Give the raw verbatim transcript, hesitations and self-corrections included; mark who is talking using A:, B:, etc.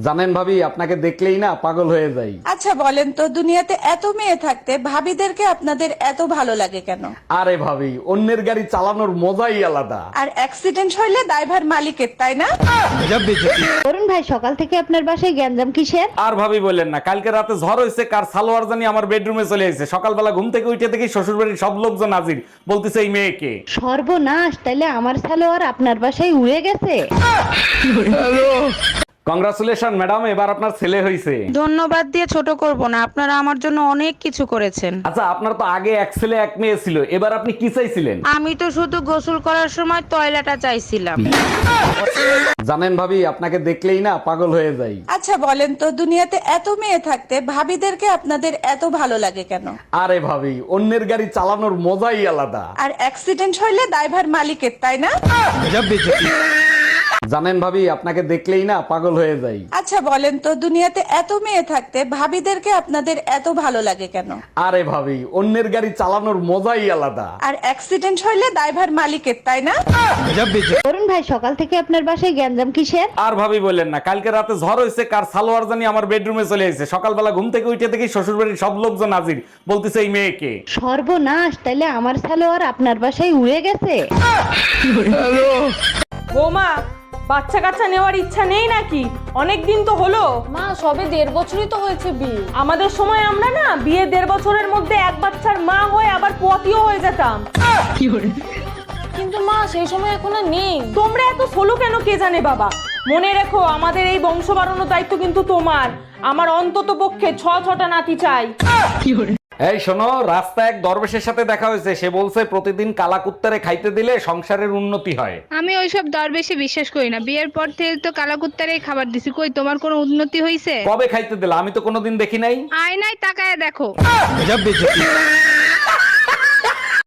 A: জানেন ভাবি, আপনাকে দেখলেই না পাগল হয়ে যাই।
B: আচ্ছা বলেন তো, দুনিয়াতে এত মেয়ে থাকতে ভাবিদেরকে আপনাদের এত ভালো লাগে কেন?
A: আরে ভাবি, অন্যের গাড়ি চালানোর মজাই আলাদা।
B: আর অ্যাক্সিডেন্ট হইলে দায়ভার মালিকের, তাই না?
C: অরুণ ভাই, সকাল থেকে আপনার বাসায় গ্যাঞ্জাম কিসের?
A: আর ভাবি বললেন না, কালকে রাতে ঝড় হয়েছে, কার সালোয়ার জানি আমার বেডরুমে চলে এসেছে। সকালবেলা ঘুম থেকে উঠে দেখি শ্বশুর বাড়ির সব লোকজন হাজির, বলতেছে এই মেয়েকে।
C: সর্বনাশ, তাইলে আমার সালোয়ার আপনার বাসায় উড়ে গেছে।
A: কংগ্রাচুলেশন ম্যাডাম, এবার আপনার ছেলে হয়েছে।
D: ধন্যবাদ দিয়ে ছোট করব না, আপনারা আমার জন্য অনেক কিছু করেছেন।
A: আচ্ছা, আপনার তো আগে এক ছেলে এক মেয়ে ছিল, এবার আপনি কি চাইছিলেন?
D: আমি তো শুধু গোসল করার সময় টয়লেটটা চাইছিলাম।
A: জানেন ভাবি, আপনাকে দেখলেই না পাগল হয়ে যাই।
B: আচ্ছা বলেন তো, দুনিয়াতে এত মেয়ে থাকতে ভাবিদেরকে আপনাদের এত ভালো লাগে কেন?
A: আরে ভাবি, অন্যের গাড়ি চালানোর মজাই আলাদা।
B: আর অ্যাক্সিডেন্ট হইলে দায়ভার মালিকের, তাই না?
A: জানেন ভাবি, আপনাকে দেখলেই না পাগল হয়ে যাই।
B: আচ্ছা বলেন তো, দুনিয়াতে এত মেয়ে থাকতে ভাবিদেরকে আপনাদের এত ভালো লাগে কেন?
A: আরে ভাবি, অন্যের গাড়ি চালানোর মজাই আলাদা।
B: আর অ্যাক্সিডেন্ট হইলে দায়ভার মালিকের, তাই না?
C: অরুণ ভাই, সকাল থেকে আপনার বাসায় গ্যাঞ্জাম কিসের?
A: আর ভাবি বললেন না, কালকে রাতে ঝড় হয়েছে, কার সালোয়ার জানি আমার বেডরুমে চলে এসেছে। সকালবেলা ঘুম থেকে উঠে দেখি শ্বশুর বাড়ির সব লোকজন হাজির, বলতেছে এই মেয়েকে।
C: সর্বনাশ, তাইলে আমার সালোয়ার আপনার বাসায় উড়ে গেছে।
E: বৌমা, বাচ্চা কাচ্চা নেওয়ার ইচ্ছা নেই নাকি? অনেক দিন তো হলো।
F: মা, সবে দেড় বছরই তো হয়েছে বিয়ে।
E: আমাদের সময় আমরা না বিয়ে দেড় বছরের মধ্যে এক বাচ্চার মা হয়ে আবার পোয়াতিও হয়ে যেতাম।
F: কিন্তু মা, সেই সময় এখন আর নেই।
E: তোমরা এত সোলো কেন কে জানে বাবা। মনে রেখো, আমাদের এই বংশ বাড়ানোর দায়িত্ব কিন্তু তোমার। আমার অন্তত পক্ষে ছ ছটা নাতি চাই।
A: এই শোনো, রাস্তায় এক দরবেশের সাথে দেখা হয়েছে। সে বলছে প্রতিদিন কালাকুত্তারে খাইতে দিলে সংসারের উন্নতি হয়।
G: আমি ওইসব দর বেশি বিশ্বাস করি না। বিয়ের পর থেকে তো কালাকুত্তারেই খাবার দিছি, কই তোমার কোনো উন্নতি হয়েছে?
A: কবে খাইতে দিলা? আমি তো কোনোদিন দেখি নাই।
G: আয়নায় তাকায় দেখো।